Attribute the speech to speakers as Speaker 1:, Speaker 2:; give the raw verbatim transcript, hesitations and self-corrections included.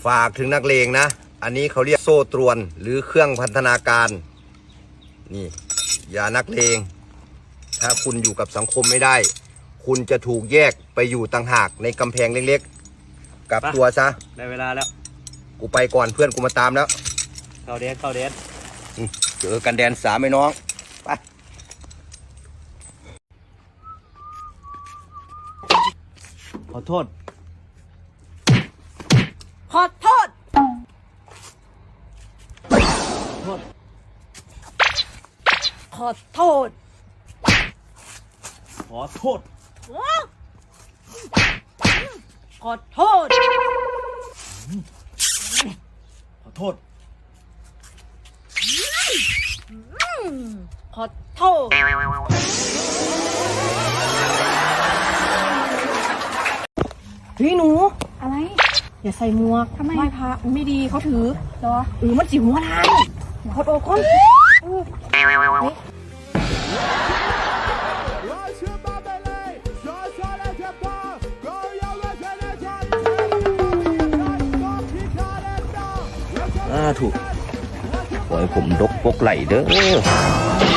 Speaker 1: ฝากถึงนักเลงนะอันนี้เขาเรียกโซ่ตรวนหรือเครื่องพันธนาการนี่อย่านักเลงถ้าคุณอยู่กับสังคมไม่ได้คุณจะถูกแยกไปอยู่ต่างหากในกำแพงเล็กๆกลับตัวซะ
Speaker 2: ได้เวลาแล้ว
Speaker 1: กูไปก่อนเพื่อนกูมาตามแล้ว
Speaker 2: เข้าแดนเข้าแดน
Speaker 1: เจอกันแดนสามไอ้น้องไป
Speaker 2: ขอโทษ
Speaker 3: ขอโทษ
Speaker 2: โทษ
Speaker 3: ขอโทษ
Speaker 2: ขอโทษ
Speaker 3: ขอโทษ
Speaker 2: ขอโทษ
Speaker 3: ขอโทษพี่หนู
Speaker 4: อะไร
Speaker 3: อย่าใส่หมวก
Speaker 4: ทำไม
Speaker 3: ไหว้พระไม่ดีเขาถือ
Speaker 4: เหรอ
Speaker 3: เออมันจิ๋วหัวทางขอโทษคน
Speaker 1: อ่าถูกขอให้ผมดกปกไหลเด้อ